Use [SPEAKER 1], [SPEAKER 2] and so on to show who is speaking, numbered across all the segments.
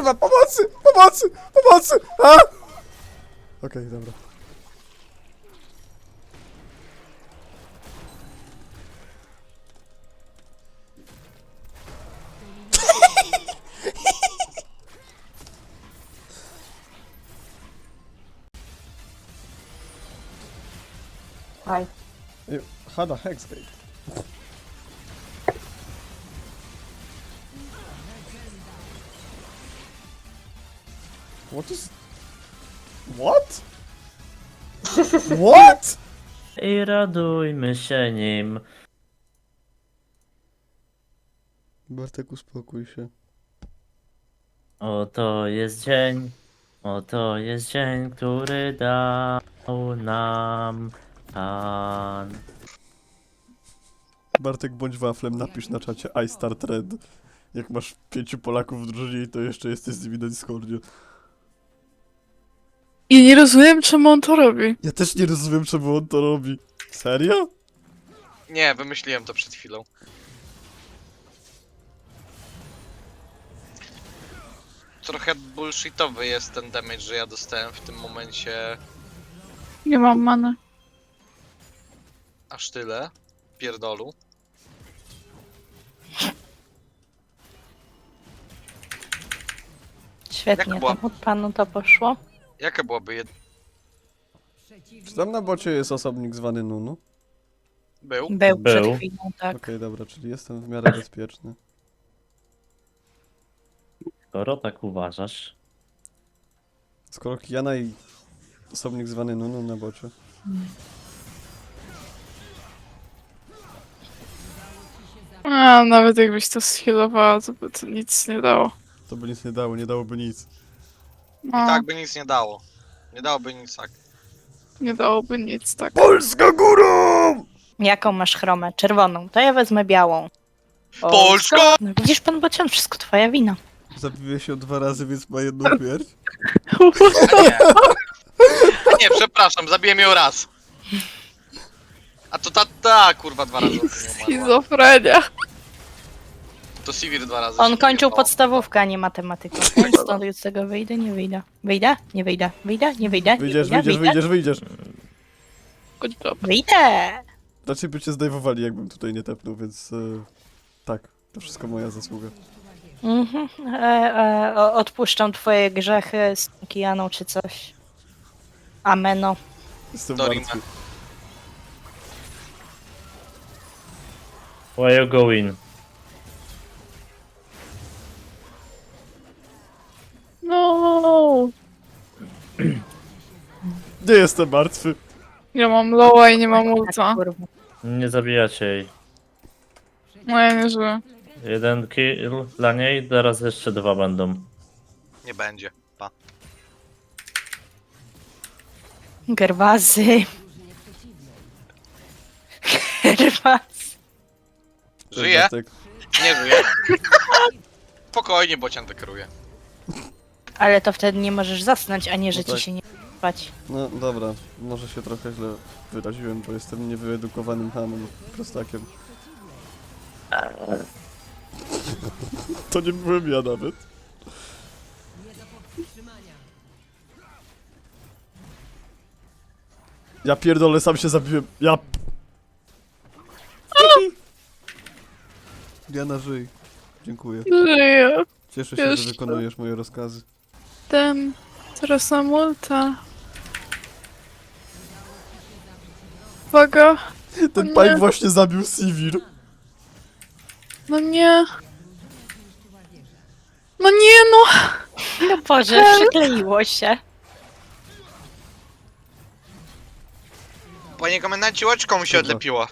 [SPEAKER 1] kurwa, pomocy! Pomocy! Pomocy! A! Okej, dobra.
[SPEAKER 2] Aj.
[SPEAKER 1] Hada Hexgate. What is... What? What?
[SPEAKER 3] I radujmy się nim.
[SPEAKER 1] Bartek, uspokój się.
[SPEAKER 3] Oto jest dzień, oto jest dzień, który dał nam Pan.
[SPEAKER 1] Bartek, bądź waflem, napisz na czacie I start red. Jak masz 5 Polaków w drużynie, to jeszcze jesteś z nimi na Discordzie.
[SPEAKER 4] I nie rozumiem, czemu on to robi.
[SPEAKER 1] Ja też nie rozumiem, czemu on to robi. Serio?
[SPEAKER 5] Nie, wymyśliłem to przed chwilą. Trochę bullshitowy jest ten damage, że ja dostałem w tym momencie
[SPEAKER 4] Nie mam many.
[SPEAKER 5] aż tyle. Pierdolu.
[SPEAKER 2] Świetnie,
[SPEAKER 5] Jak była?
[SPEAKER 2] tam od panu to poszło.
[SPEAKER 5] Jaka byłaby
[SPEAKER 1] Czy tam na bocie jest osobnik zwany Nunu?
[SPEAKER 5] Był?
[SPEAKER 2] Był przed
[SPEAKER 3] Był.
[SPEAKER 2] chwilą, tak.
[SPEAKER 1] Okej, dobra, czyli jestem w miarę bezpieczny.
[SPEAKER 3] Skoro tak uważasz,
[SPEAKER 1] Skoro Kiana i osobnik zwany Nunu na bocie.
[SPEAKER 4] A, nawet jakbyś to schilowała, to by to nic nie dało.
[SPEAKER 1] To by nic nie dało, nie dałoby nic.
[SPEAKER 4] No,
[SPEAKER 5] Tak by nic nie dało. Nie dałoby nic tak.
[SPEAKER 4] nie dałoby nic, tak.
[SPEAKER 1] Polska górą!
[SPEAKER 2] Jaką masz chromę? Czerwoną. To ja wezmę białą. O,
[SPEAKER 5] Polska!
[SPEAKER 2] No widzisz pan Bocian, wszystko twoja wina.
[SPEAKER 1] Zabiłeś się 2 razy, więc ma jedną śmierć.
[SPEAKER 5] A nie. A nie, przepraszam, zabiłem ją raz. A to ta kurwa 2 razy.
[SPEAKER 4] Schizofrenia.
[SPEAKER 5] To Sivir 2 razy.
[SPEAKER 2] On
[SPEAKER 5] się
[SPEAKER 2] kończył
[SPEAKER 5] wyjebało.
[SPEAKER 2] podstawówkę, a nie matematykę. Więc stąd z tego wyjdę, nie wyjdę. Wyjdę? Nie wyjdę. Wyjdę? Nie wyjdę. Nie
[SPEAKER 1] Wyjdziesz,
[SPEAKER 2] wyjdę,
[SPEAKER 1] wyjdziesz,
[SPEAKER 2] wyjdę.
[SPEAKER 1] wyjdziesz, wyjdziesz.
[SPEAKER 4] Chodź dobra.
[SPEAKER 2] Wyjdę!
[SPEAKER 1] Raczej by cię zdejmowali, jakbym tutaj nie tepnął, więc... tak, to wszystko moja zasługa.
[SPEAKER 2] Mhm. Odpuszczam twoje grzechy z Kijaną czy coś. Ameno.
[SPEAKER 1] Jestem
[SPEAKER 5] Dorime.
[SPEAKER 1] martwy.
[SPEAKER 3] why you go in?
[SPEAKER 4] No.
[SPEAKER 1] Nie jestem martwy.
[SPEAKER 4] Ja mam lowa i nie mam ulta.
[SPEAKER 2] Kurwa.
[SPEAKER 3] Nie zabijacie jej.
[SPEAKER 4] No ja nie żyję.
[SPEAKER 3] 1 kill dla niej, teraz jeszcze 2 będą.
[SPEAKER 5] Nie będzie. Pa.
[SPEAKER 2] Gerwazy. Gerwazy.
[SPEAKER 5] Żyje?
[SPEAKER 1] Bartek.
[SPEAKER 5] Nie żyje. Spokojnie, bocian wykruje.
[SPEAKER 2] Ale to wtedy nie możesz zasnąć, a nie, że
[SPEAKER 1] No tak.
[SPEAKER 2] ci się nie spać.
[SPEAKER 1] No dobra, może się trochę źle wyraziłem, bo jestem niewyedukowanym hamem, prostakiem. To nie byłem ja nawet. Ja pierdolę, sam się zabiłem. Ja... Diana, żyj. Dziękuję.
[SPEAKER 4] Żyję.
[SPEAKER 1] Cieszę się,
[SPEAKER 4] Jeszcze.
[SPEAKER 1] że wykonujesz moje rozkazy.
[SPEAKER 4] Teraz mam ulta. Uwaga.
[SPEAKER 1] Ten
[SPEAKER 4] Nie.
[SPEAKER 1] Pike właśnie zabił Sivir.
[SPEAKER 4] No nie. No nie, no.
[SPEAKER 2] No Boże, przykleiło się.
[SPEAKER 5] Panie komendancie, łoczką mi się
[SPEAKER 1] Dobra.
[SPEAKER 5] odlepiło.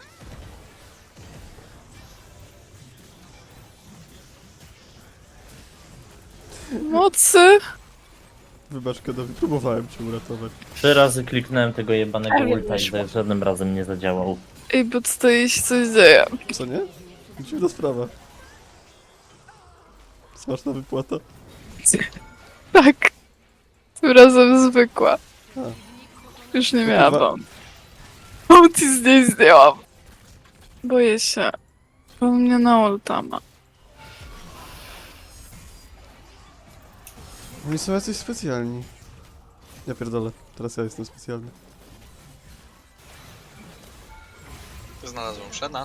[SPEAKER 4] Mocy.
[SPEAKER 1] Wybacz, Kedowi, próbowałem cię uratować.
[SPEAKER 3] 3 razy kliknąłem tego jebanego
[SPEAKER 2] Ale
[SPEAKER 3] ulta i
[SPEAKER 2] wyszło.
[SPEAKER 3] za żadnym razem nie zadziałał.
[SPEAKER 4] Ej, bo tutaj się coś dzieje.
[SPEAKER 1] Co nie? Dziwna sprawa. Smaczna wypłata.
[SPEAKER 4] Tak. Tym razem zwykła.
[SPEAKER 1] A.
[SPEAKER 4] Już nie
[SPEAKER 1] Kurwa.
[SPEAKER 4] miałam. Ulti z niej zdjęłam. Boję się. Bo mnie na ulta ma.
[SPEAKER 1] Oni są jacyś specjalni. Ja pierdolę, teraz ja jestem specjalny.
[SPEAKER 5] Znalazłem Shena.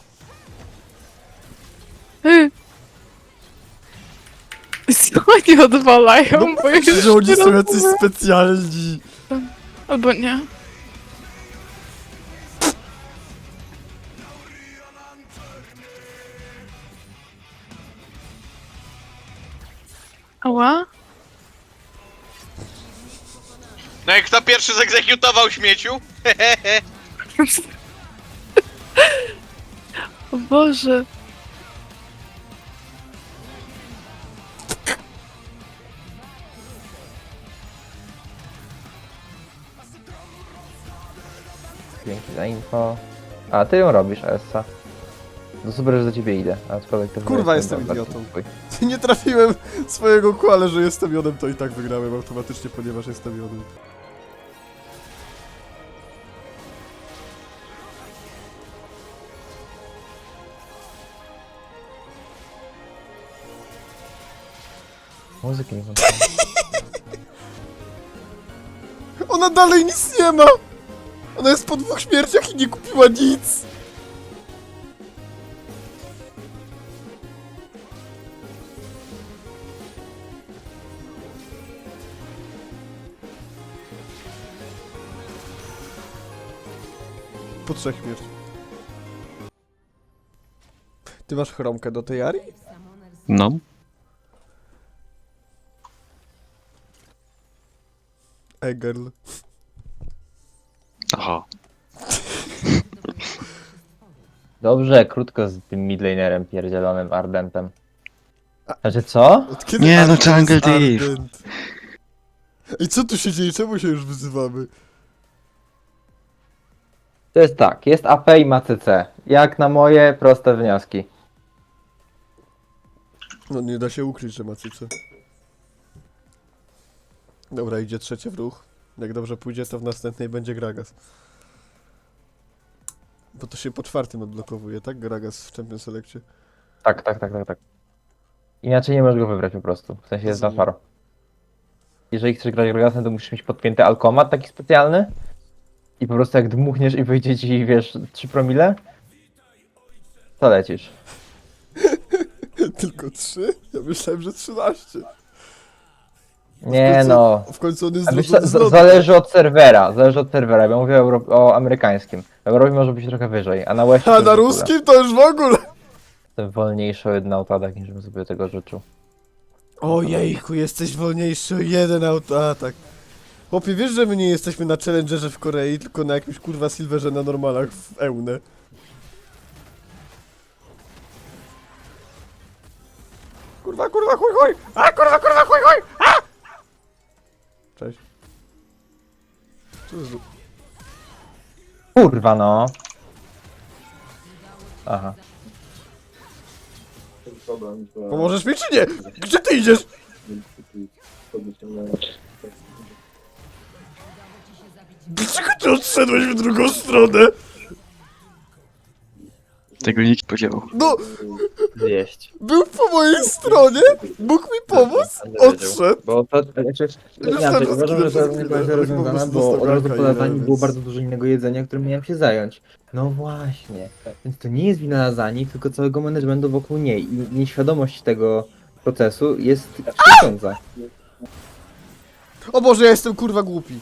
[SPEAKER 4] Co oni odwalają? Bo ja już
[SPEAKER 1] Że oni są
[SPEAKER 4] nie
[SPEAKER 1] jacyś
[SPEAKER 4] rozumiem.
[SPEAKER 1] specjalni.
[SPEAKER 4] Albo nie. Ała?
[SPEAKER 5] No i kto pierwszy zegzekutował śmieciu?
[SPEAKER 4] O Boże.
[SPEAKER 6] Dzięki za info. A ty ją robisz, Essa. No super, że do ciebie idę. Aczkolwiek to
[SPEAKER 1] Kurwa, jestem idiotą. Nie trafiłem swojego kół, ale że jestem jodem, to i tak wygrałem automatycznie, ponieważ jestem jodem.
[SPEAKER 6] Muzyki nie włączyłem.
[SPEAKER 1] Ona dalej nic nie ma! Ona jest po 2 śmierciach i nie kupiła nic! Po 3 śmierciach. Ty masz chromkę do tej Ari?
[SPEAKER 7] No.
[SPEAKER 1] Girl.
[SPEAKER 7] Aha.
[SPEAKER 6] Dobrze, krótko z tym midlanerem pierdzielonym Ardentem. Znaczy co?
[SPEAKER 1] Od kiedy
[SPEAKER 7] Nie, no,
[SPEAKER 1] Ardent
[SPEAKER 7] Jungle
[SPEAKER 1] jest
[SPEAKER 7] Thief.
[SPEAKER 1] Ardent? Ej, co tu się dzieje? Czemu się już wyzywamy?
[SPEAKER 6] To jest tak, jest AP i ma CC. Jak na moje proste wnioski.
[SPEAKER 1] No nie da się ukryć, że ma cyce. Dobra, idzie trzecie w ruch. Jak dobrze pójdzie, to w następnej będzie Gragas. Bo to się po 4 odblokowuje, tak? Gragas w Champion Selectie.
[SPEAKER 6] Tak. Inaczej nie możesz go wybrać po prostu. W sensie jest na
[SPEAKER 1] Rozumiem.
[SPEAKER 6] faro. Jeżeli chcesz grać Gragasem, to musisz mieć podpięty alkomat taki specjalny. I po prostu jak dmuchniesz i wyjdzie ci, wiesz, 3 promile, to lecisz.
[SPEAKER 1] Tylko 3? Ja myślałem, że 13.
[SPEAKER 6] Nie
[SPEAKER 1] końcu-
[SPEAKER 6] no.
[SPEAKER 1] W końcu on jest
[SPEAKER 6] A wiesz,
[SPEAKER 1] zrobiony z lodu.
[SPEAKER 6] zależy od serwera, ja mówię o amerykańskim. W Europie może być trochę wyżej, a na Westie
[SPEAKER 1] A
[SPEAKER 6] to
[SPEAKER 1] na
[SPEAKER 6] już w ogóle.
[SPEAKER 1] ruskim to już w ogóle!
[SPEAKER 6] Jestem wolniejszy o 1 autoatak, niż bym sobie tego życzył.
[SPEAKER 1] Ojejku, jesteś wolniejszy o 1 autoatak. Chłopie, wiesz, że my nie jesteśmy na Challengerze w Korei, tylko na jakimś kurwa Silverze na normalach w Eunę. Kurwa, chuj! A, kurwa, chuj! A! Cześć. Co to za...
[SPEAKER 6] Kurwa no. Aha.
[SPEAKER 1] Pomożesz mi czy nie? Gdzie ty idziesz? Dlaczego ty odszedłeś w drugą stronę?
[SPEAKER 7] Tego nikt nie powiedział.
[SPEAKER 1] No,
[SPEAKER 6] Zjeść.
[SPEAKER 1] był po mojej stronie, mógł mi pomóc, odszedł.
[SPEAKER 6] Bo to, znaczy, inaczej, uważam, że to nie będzie rozwiązane, bo od razu po lataniu było bardzo dużo innego jedzenia, którym miałem się zająć. No właśnie. Więc to nie jest wina Lazani, tylko całego managementu wokół niej. I nieświadomość tego procesu jest krzywdząca.
[SPEAKER 1] O Boże, ja jestem kurwa głupi.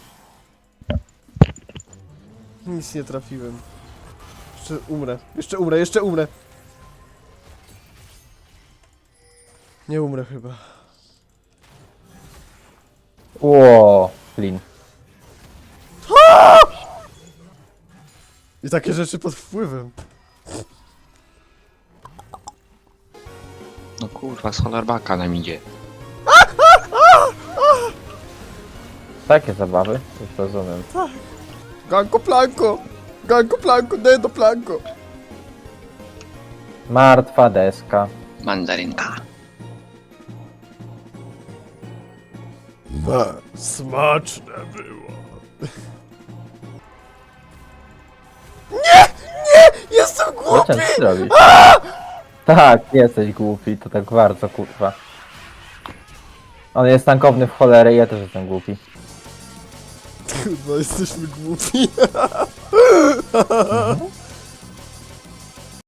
[SPEAKER 1] Nic nie trafiłem. Jeszcze umrę. Nie umrę chyba.
[SPEAKER 6] Ło, Flynn.
[SPEAKER 1] I takie rzeczy pod wpływem.
[SPEAKER 7] No kurwa, z Holarbaka nam idzie.
[SPEAKER 6] Takie zabawy, już rozumiem.
[SPEAKER 1] Ganko planko, dedo planko.
[SPEAKER 6] Martwa deska.
[SPEAKER 7] Mandarynka.
[SPEAKER 1] Smaczne było. Nie! Jestem
[SPEAKER 6] Co
[SPEAKER 1] głupi!
[SPEAKER 6] ty robisz? Tak, jesteś głupi, to tak bardzo kurwa. On jest tankowny w cholerę i ja też jestem głupi.
[SPEAKER 1] Kurwa, jesteśmy głupi.